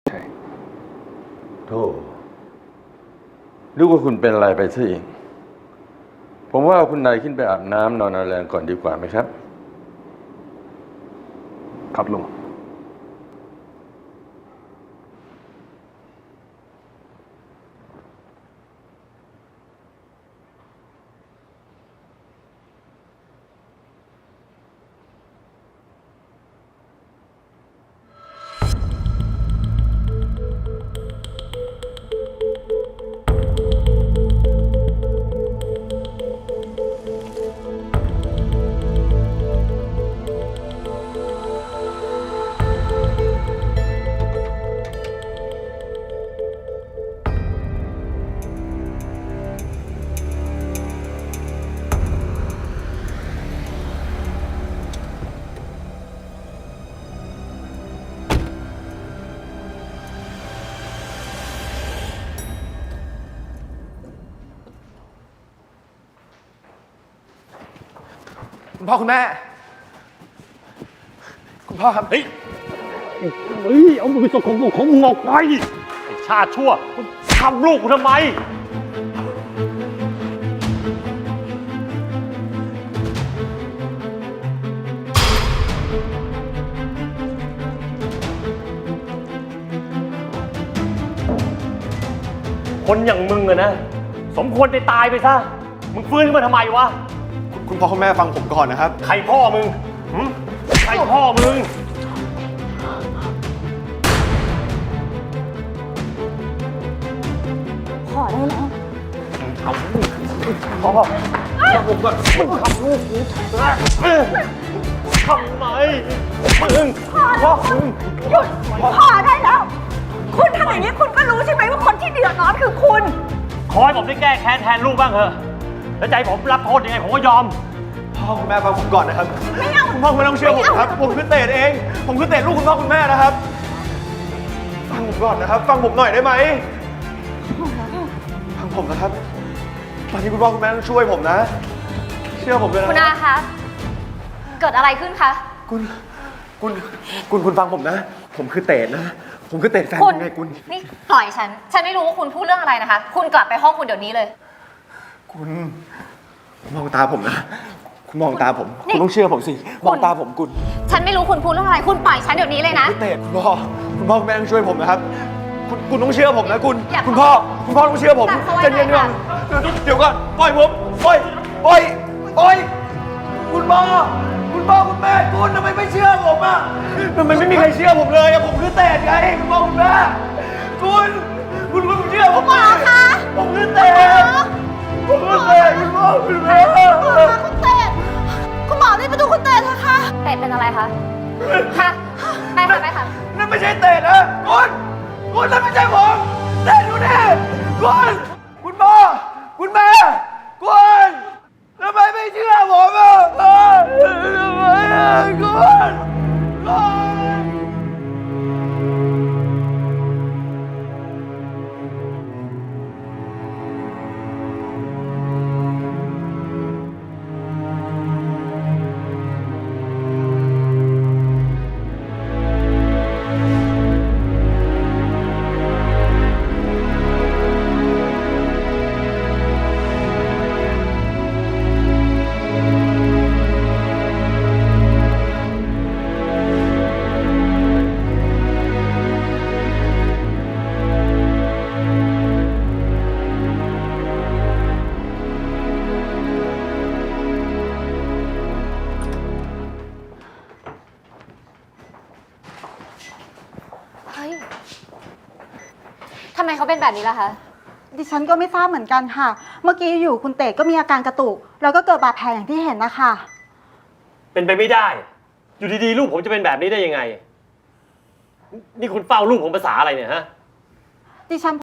ใช่โธ่นึกว่าคุณเป็นอะไรไปซะเองผมว่าคุณนายขึ้นไปอาบน้ำนอนเอาแรงก่อนดีกว่าไหมครับครับลุงคุณพ่อคุณแม่คุณพ่อครับเฮ้ยเอามือสกปรกของมึงออกไปไอ้ชาติชั่วมึงทำลูกกูทำไมคนอย่างมึงอะนะสมควรไปตายไปซะมึงฟื้นขึ้นมาทำไมวะคุณพ่อคุณแม่ฟังผมก่อนนะครับใครพ่อมึงใครพ่อมึงขอได้แล้วเอาพ่อผมก็มึงทำลูกกูทำไมมึงพ่อมึงหยุดพอได้แล้ว คุณทำอย่างนี้คุณก็รู้ใช่ไหมว่าคนที่เดือดร้อนคือคุณขอให้ผมได้แก้แค้นแทนลูกบ้างเถอะแล้วใจผมรับโทษยังไงผมก็ยอมพ่อคุณแม่ฟังผมก่อนนะครับไม่เอาคุณพ่อไม่ต้องเชื่อผมครับผมคือเต๋เองผมคือเต๋ลูกคุณพ่อคุณแม่นะครับฟังผมก่อนนะครับฟังผมหน่อยได้ไหมฟังผมนะครับตอนนี้คุณพ่อคุณแม่ต้องช่วยผมนะเชื่อผมเลยนะคุณอาคะเกิดอะไรขึ้นคะคุณฟังผมนะผมคือเต๋นะผมคือเต๋แฟนคุณไงคุณนี่ปล่อยฉันไม่รู้ว่าคุณพูดเรื่องอะไรนะคะคุณกลับไปห้องคุณเดี๋ยวนี้เลยคุณมองตาผมนะคุณมองตาผมคุณต้องเชื่อผมสิมองตาผมคุณฉันไม่รู้คุณพูดเรื่องอะไรคุณปล่อยฉันเดี๋ยวนี้เลยนะเต๋คุณพ่อคุณแม่ต้องช่วยผมนะครับคุณต้องเชื่อผมนะคุณพ่อต้องเชื่อผมใจเย็นก่อนเดี๋ยวก่อนปล่อยผมปล่อยคุณพ่อคุณแม่คุณทำไมไม่เชื่อผมอ่ะทำไมไม่มีใครเชื่อผมเลยอะผมคือเต๋ไงคุณพ่อคุณแม่คุณเชื่อผมหมอคะผมคือเต๋คุณพ่อคุณแม่คุณเต้คุณหมอรีบไปดูคุณเต้เถอะค่ะเต้เป็นอะไรคะค่ะไปค่ะนั่นไม่ใช่เต๋นะคุณนั่นไม่ใช่ผมเต๋ดูนี่คุณพ่อคุณแม่คุณทำไมไม่เชื่อผมอ่ะทำไมอ่ะคุณทำไมเขาเป็นแบบนี้ล่ะคะดิฉันก็ไม่ทราบเหมือนกันค่ะเมื่อกี้อยู่คุณเต๋ก็มีอาการกระตุกแล้วก็เกิดบาดแผลอย่างที่เห็นนะคะเป็นไปไม่ได้อยู่ดีๆลูกผมจะเป็นแบบนี้ได้ยังไงนี่คุณเฝ้าลูกผมภาษาอะไรเนี่ยฮะดิฉัน